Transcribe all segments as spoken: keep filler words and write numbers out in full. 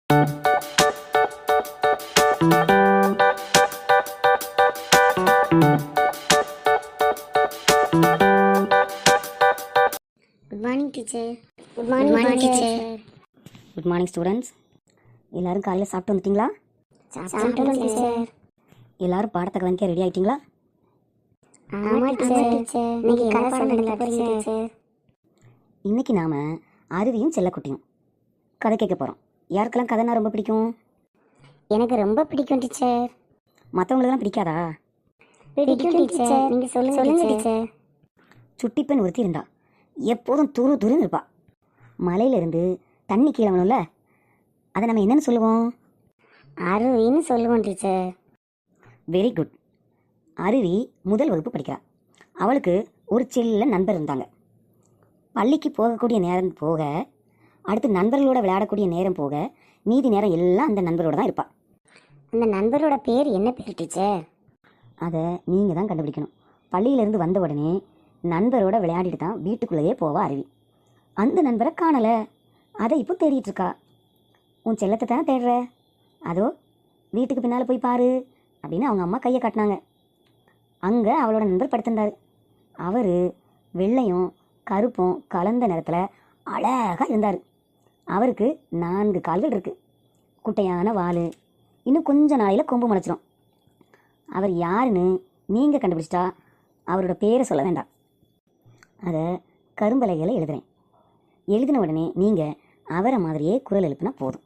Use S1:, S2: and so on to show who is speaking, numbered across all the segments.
S1: Good morning teacher. Good morning teacher.
S2: Good morning students. எல்லாரும் காலையில் சாப்பிட்டு வந்துட்டீங்களா?
S1: சாப்பிட்டோம் டீச்சர்.
S2: எல்லாரும் பாடத்தை கவனிக்க ரெடி ஆகிட்டீங்களா?
S1: ஆமா டீச்சர். இன்னைக்கு கதை சொல்ல போறீங்க டீச்சர்.
S2: இன்னைக்கு நாம் அருவியும் செல்லக்குட்டியும் கதை கேட்க போகிறோம். யாருக்கெல்லாம் கதைனா ரொம்ப பிடிக்கும்?
S1: எனக்கு ரொம்ப பிடிக்கும் டீச்சர்.
S2: மற்றவங்களுக்குலாம் பிடிக்காதா?
S1: பிடிக்கும் டீச்சர். நீங்கள் சொல்லுங்க சொல்லுங்க டீச்சர்.
S2: சுட்டி பெண் ஒருத்தி இருந்தா. எப்போதும் துரு துருன்னு இருப்பா. மலையிலேருந்து தண்ணி கீழே வேணும்ல, அதை நம்ம என்னன்னு சொல்லுவோம்?
S1: அருவின்னு சொல்லுவோம் டீச்சர்.
S2: Very good. அருவி முதல் வகுப்பு படிக்கிறா. அவளுக்கு ஒரு செல்ல நண்பர் இருந்தாங்க. பள்ளிக்கு போகக்கூடிய நேரம் போக, அடுத்து நண்பர்களோட விளையாடக்கூடிய நேரம் போக, மீதி நேரம் எல்லாம் அந்த நண்பரோட தான் இருப்பாள்.
S1: அந்த நண்பரோட பேர் என்ன பேர் டீச்சர்?
S2: அதை நீங்கள் தான் கண்டுபிடிக்கணும். பள்ளியிலேருந்து வந்த உடனே நண்பரோட விளையாடிட்டு தான் வீட்டுக்குள்ளேயே போவா அருவி. அந்த நண்பரை காணலை. அதை இப்போ தேடிட்டு இருக்கா. உன் செல்லத்தை தானே தேடுற, அதோ வீட்டுக்கு பின்னால் போய் பாரு அப்படின்னு அவங்க அம்மா கையை காட்டினாங்க. அங்கே அவளோட நண்பர் படுத்திருந்தார். அவர் வெள்ளையும் கருப்பும் கலந்த நிறத்தில் அழகாக இருந்தார். அவருக்கு நான்கு கால்கள் இருக்குது, குட்டையான வால், இன்னும் கொஞ்ச நாளையில் கொம்பு முளைச்சிடும். அவர் யாருன்னு நீங்கள் கண்டுபிடிச்சிட்டா அவரோட பேரை சொல்ல வேண்டாம். அதை கரும்பலகைகளை எழுதுகிறேன். எழுதின உடனே நீங்கள் அவரை மாதிரியே குரல் எழுப்பினா போதும்.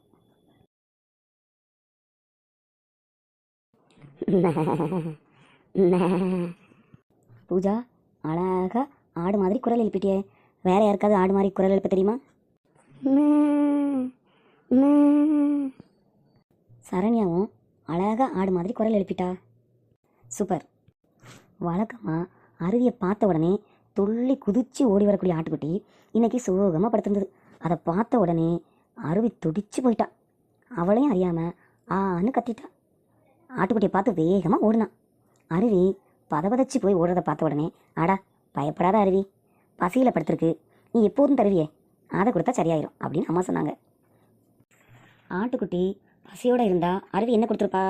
S2: பூஜா, அழகாக ஆடு மாதிரி குரல் எழுப்பிட்டியே. வேற யாருக்காவது ஆடு மாதிரி குரல் எழுப்ப தெரியுமா? சரண்யாவும் அழகாக ஆடு மாதிரி குரல் எழுப்பிட்டா. சூப்பர். வழக்கமாக அருவியை பார்த்த உடனே துள்ளி குதித்து ஓடி வரக்கூடிய ஆட்டுக்குட்டி இன்னைக்கு சோகமாக படுத்திருந்தது. அதை பார்த்த உடனே அருவி துடிச்சு போயிட்டா. அவளையும் அறியாமல் ஆன்னு கத்திட்டா. ஆட்டுக்குட்டியை பார்த்து வேகமாக ஓடினான். அருவி பதபதச்சு போய் ஓடுறதை பார்த்த உடனே, ஆடா பயப்படாத அருவி, பசியில் படுத்திருக்கு, நீ எப்போதும் தருவியே, அதை கொடுத்தா சரியாயிரும் அப்படின்னு அம்மா சொன்னாங்க. ஆட்டுக்குட்டி பசியோடு இருந்தா அருவி என்ன கொடுத்துருப்பா?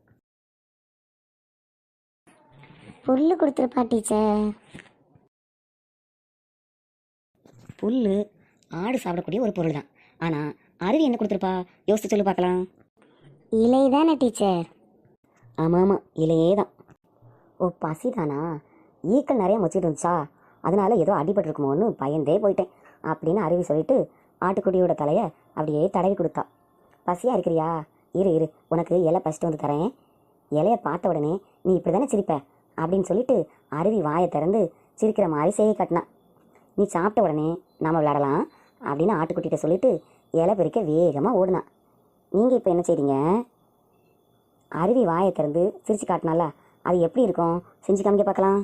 S1: புல்லு கொடுத்துருப்பா டீச்சர்.
S2: புல்லு ஆடு சாப்பிடக்கூடிய ஒரு பொருள் தான். ஆனால் அருவி என்ன கொடுத்துருப்பா? யோசிச்சு சொல்லி பார்க்கலாம்.
S1: இலை தானே டீச்சர்?
S2: ஆமாம் ஆமாம், இலையே தான். ஓ, பசி தானா? ஈக்கள் நிறைய மொச்சிட்டு இருந்துச்சா, அதனால ஏதோ அடிபட்டுருக்குமோன்னு பயந்தே போயிட்டேன் அப்படின்னு அருவி சொல்லிட்டு ஆட்டுக்குட்டியோட தலையை அப்படியே தடவி கொடுத்தா. பசியாக இருக்கிறியா? இரு இரு, உனக்கு இலை பசிட்டு வந்து தரேன். இலையை பார்த்த உடனே நீ இப்படி தானே சிரிப்ப அப்படின்னு சொல்லிட்டு அருவி வாயை திறந்து சிரிக்கிற மாதிரி செய்ய காட்டினா. நீ சாப்பிட்ட உடனே நாம் விளையாடலாம் அப்படின்னு ஆட்டுக்குட்டிகிட்ட சொல்லிட்டு இலை பறிக்க வேகமாக ஓடுனா. நீங்கள் இப்போ என்ன செய்றீங்க? அருவி வாயை திறந்து சிரிச்சு காட்டினால அது எப்படி இருக்கும் செஞ்சு காமிக்க பார்க்கலாம்.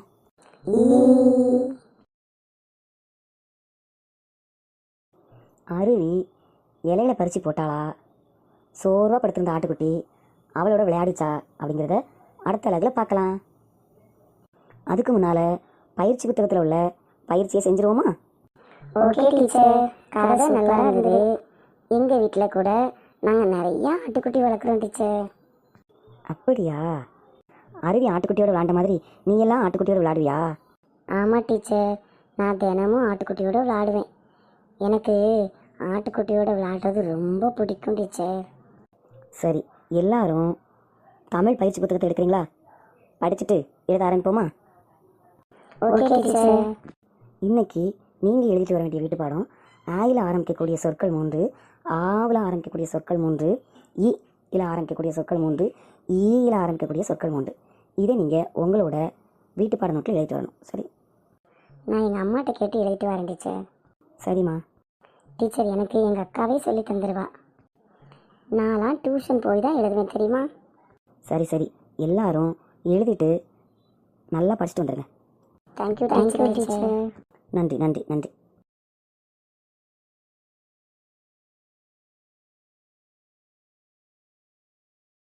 S2: அருவி இலையில பறித்து போட்டாளா, சோர்வாக படுத்திருந்த ஆட்டுக்குட்டி அவளோட விளையாடிச்சா அப்படிங்கிறத அடுத்த அழகில் பார்க்கலாம். அதுக்கு முன்னால் பயிற்சி புத்தகத்தில் உள்ள பயிற்சியை செஞ்சுருவோமா?
S1: Okay teacher. கதை நல்லா இருந்தது. எங்கள் வீட்டில் கூட நாங்கள் நிறையா ஆட்டுக்குட்டி வளர்க்குறோம் டீச்சர்.
S2: அப்படியா? அருவி ஆட்டுக்குட்டியோட விளையாண்ட மாதிரி நீ எல்லாம் ஆட்டுக்குட்டியோட விளையாடுவியா?
S1: ஆமாம் டீச்சர், நான் தினமும் ஆட்டுக்குட்டியோட விளையாடுவேன். எனக்கு ஆட்டுக்குட்டியோட விளையாடுறது ரொம்ப பிடிக்கும் டீச்சர்.
S2: சரி, எல்லாரும் தமிழ் பயிற்சி புத்தகத்தை எடுக்கிறீங்களா? படிச்சுட்டு எழுத ஆரம்பிப்போமா?
S1: Okay teacher.
S2: இன்னைக்கு நீங்கள் எழுதிட்டு வர வேண்டிய வீட்டு பாடம், ஆயில் ஆரம்பிக்கக்கூடிய சொற்கள் மூன்று, ஆவில் ஆரம்பிக்கக்கூடிய சொற்கள் மூன்று, இ இல ஆரம்பிக்கக்கூடிய சொற்கள் மூன்று, ஈயில் ஆரம்பிக்கக்கூடிய சொற்கள் மூன்று. இதை நீங்கள் உங்களோட வீட்டு பாட நோட்டில் எழுதிட்டு வரணும். சரி?
S1: நான் எங்கள் அம்மாட்ட கேட்டு எழுதிட்டு வரேன் டீச்சர்.
S2: சரிம்மா.
S1: டீச்சர், எனக்கு எங்கள் அக்காவே சொல்லி தந்துடுவா. நான்லாம் டியூஷன் போய் தான் எழுதுவேன் தெரியுமா?
S2: சரி சரி, எல்லாரும் எழுதிட்டு நல்லா படிச்சுட்டு வந்துடுங்க.
S1: Thank you thank you teacher.
S2: நன்றி நன்றி நன்றி.